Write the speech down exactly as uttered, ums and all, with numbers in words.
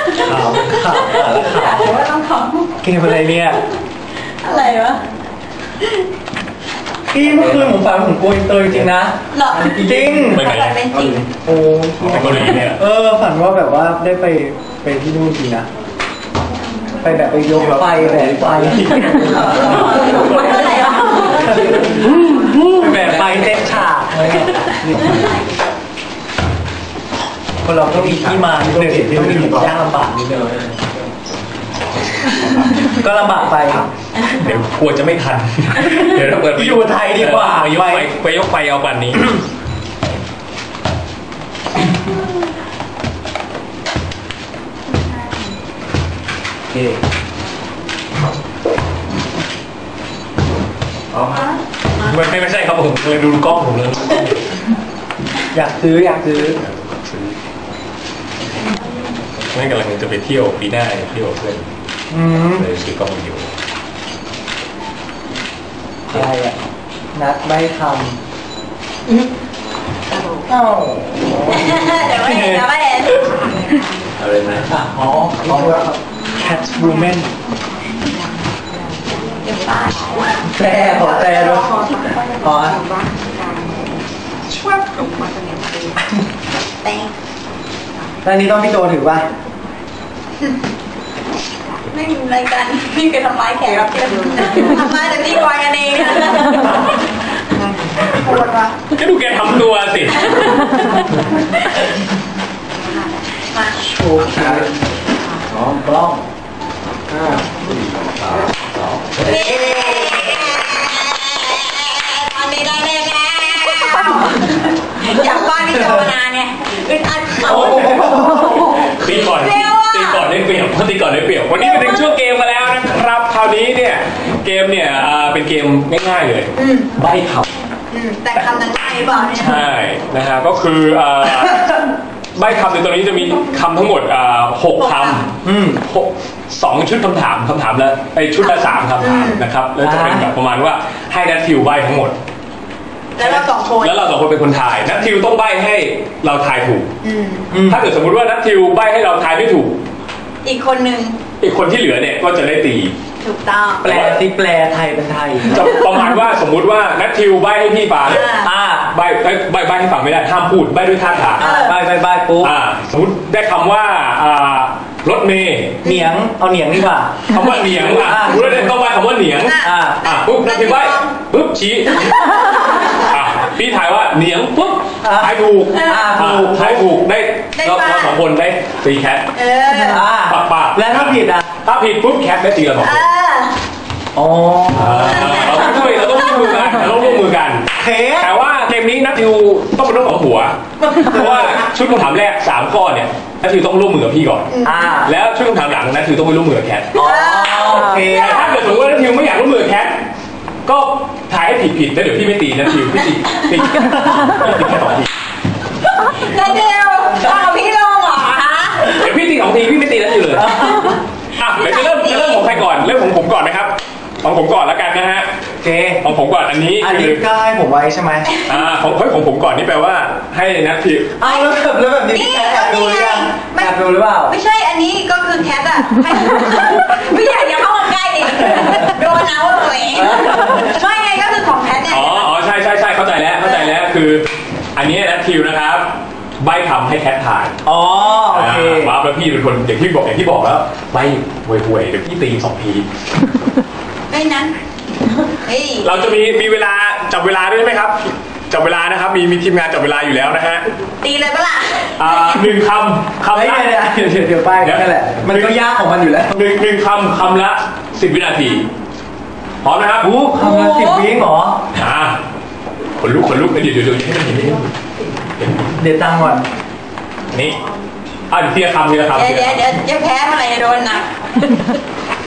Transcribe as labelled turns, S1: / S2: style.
S1: ข่าวข่าวข่าว
S2: ว่าต้องขอ
S1: เกมอะไรเนี่ย
S2: อะไรวะ
S1: พี่เมื่อคืนผมฝันผมโกยเตยจริงนะ
S2: หรอ
S1: จริง
S2: ไม่ไหนเป็นจริง
S1: โอ้ไปเกาหลีเนี่ยเออฝันว่าแบบว่าได้ไปไปที่นู่นจริงนะไปแบบไปยกไฟแบบไฟ
S2: อะไรวะ
S1: แบบไฟเต้นฉากอะไรเงี้ยคนเราต้องมีที่มาหนึ่งต้องมียากลำบากนิดเดียวก็ลำบากไป
S3: เดี๋ยวกลัวจะไม่ทันเดี๋ยวเราเปิด
S1: อยู่ไทยดีกว่า
S3: ไปยกไฟไปยกไฟเอาวันนี้
S1: โอเค
S3: อ๋อไม่ไม่ใช่ครับผมเลยดูกล้องผมเลย
S1: อยากซื้ออยากซื้อ
S3: ไม่กำลังจะไปเที่ยวปีหน้าเที่ยวเพื่อนเลยซื้อกล้องวิดีโอ
S1: อะไรอ่ะนัดใบคำเอ้า
S2: เดี๋ยวไม่เห็นนะไม่เห็น
S3: อะไรนะ
S1: อ๋อแคทวูแมน
S2: เดี๋ยวป้า
S1: แต่ขอแต่ด้วยขอ
S2: ช่วยปลุกมาเป็นแต่
S1: แล้วนี้ต้องพี่โตถือป่ะ
S2: ไม่มีรายการพี่เคยทำร้ายแขกรับเชิญทำร้ายแต่พี่วายกันเองปวดวะ
S3: ก็ดูแกทำตัวสิ
S2: มา
S1: โชว์ขาสองกล้องห้า
S2: ตอนนี้ได้เลยแล้วอยากบ้านพี่โจนาเนี่ยอึดอัดเขา
S3: ตีก่อนตีก่อนได้เปรียบตีก่อนได้เปรียบวันนี้มาถึงช่วงเกมมาแล้วนะครับคราวนี้เนี่ยเกมเนี่ยเป็นเกมง่ายๆเลยใบ้ค
S2: ำแต่คำนั้นง่ายเปล่าเนี่ย
S3: ใช่นะฮะก็คือใบ้คำในตัวนี้จะมีคำทั้งหมดหกคำหกสองชุดคำถามคำถามละไอชุดละสามคำถามนะครับแล้วจะเป็นแบบประมาณว่าให้นัททิวใบ้ทั้งหมด
S2: แล้วเราสองคน
S3: แล้วเราสองคนเป็นคนทายนัททิวต้องใบ้ให้เราทายถูกถ้าเกิดสมมุติว่านัททิวใบ้ให้เราทายไม่ถูก
S2: อีกคนนึง
S3: อีกคนที่เหลือเนี่ยก็จะได้ตี
S2: ถูกต้อง
S1: แปลที่แปลไทยเป็นไทย
S3: จะประมาณว่าสมมุติว่านัททิวใบ้ให้พี่ฟัง
S1: อ่า
S3: ใบ้ใบ้ใบ้ให้ฟังไม่ได้ห้ามพูดใบ้ด้วยท่าทาง
S1: ใบ้ใบ้ใบ้ปุ๊บ
S3: อ่าสมมติได้คำว่าอ่ารถเมย์
S1: เหนียงเอาเหนียงดีกว่า
S3: คำว่าเหนียงอ่ะรู้ได้ต้องใบ้คำว่าเหนียง
S1: อ่า
S3: อ่าปุ๊บนัททิวใบ้ปุ๊บชี้อ่าพี่ถ่ายว่าเหนียงปุ๊บถ่ายถูกถูกถ่ายถูกได้เราเราสองคนได้ตีแคท
S2: เออ
S3: ปากปาก
S1: แล้วถ้าผิดอ่ะ
S3: ถ้าผิดปุ๊บแคทได้ตีเราสองคน
S1: อ๋อ
S3: เราต้องช่วยเราต้องร่วมมือกันเราต้องร่วมมือกันแต่ว่าเกมนี้นัททิวต้องเป็นเรื่องของหัวเพราะว่าชุดคำถามแรกสามข้อเนี่ยนัททิวต้องร่วมมือกับพี่ก่อนแล้วชุดคำถามหลังนัททิวต้องไปร่วมมือกับแคท
S1: โอเค
S3: แต่ถ้าเกิดสมมติว่านัททิวไม่อยากร่วมมือกับแคทก็ถ่ายให้ผิดผิดแล้วเดี๋ยวพี่ไม่ตีนัททิวพี่ตีตีตีแค่สองที
S2: นัททิวเอาพี่ลงเหรอฮะ
S3: เดี๋ยวพี่ตีสองทีพี่ไม่ตีนัททิวเลยอ่ะเดี๋ยวจะเริ่มจะเริ่มของใครก่อนเริ่มของผมก่อนนะครับของผมก่อนแล้วกันนะฮะ
S1: โอเค
S3: ของผมก่อนอันนี้
S1: อันนี้ก็ให้ผมไว้ใช่ไหม
S3: อ่าของเฮ้ยของผมก่อนนี่แปลว่าให้นัททิว
S1: อ้าวแล้วแบบแล้วแบบนี้พี่แอบดูหรือยังแอบดูหรือเปล่า
S2: ไม่ใช่อันนี้ก็คือแคทอะไม่อยากอย่าเข้ามาใกล้ดิโดนเอาเลยไม่ไงก็คือของแคทเนี่ย
S3: อ๋ออ๋อใช่ใช่ใช่เข้าใจแล้วเข้าใจแล้วคืออันนี้นัททิวนะครับใบคำให้แคทถ่าย
S1: อ๋อโอเค
S3: ว้าวแล้วพี่เป็นคนอย่างที่บอกอย่างที่บอกแล้วใบห่วยๆเดี๋ยวพี่ตีสองที
S2: ไม่นั้น
S3: เราจะมีมีเวลาจับเวลาด้วยไหมครับจับเวลานะครับมีมีทีมงานจับเวลาอยู่แล้วนะฮะ
S2: ตีเลยปะล่ะ
S3: อ่าหนึ่งคำคำละ
S1: เดี๋ยวเดี๋ยวเดี๋ยวไปนั่นแหละมันก็ยากของมันอยู่แล้ว
S3: หนึ่งหนึ่งคำคำละสิบวินาทีพร้อมนะครับ
S1: อู้คำละสิบวิเหรอ
S3: อ่าขนลุกขนลุกเดี๋ยวเดี๋ยวเดี๋ยวให้มันเห็น
S1: เดี๋ยวตั้งก่อน
S3: นี่อ่าทีละคำทีละคำ
S2: เดี๋ยวเดี๋ยวเดี๋ยวจะแพ้เมื่อไหร่โดนหนัก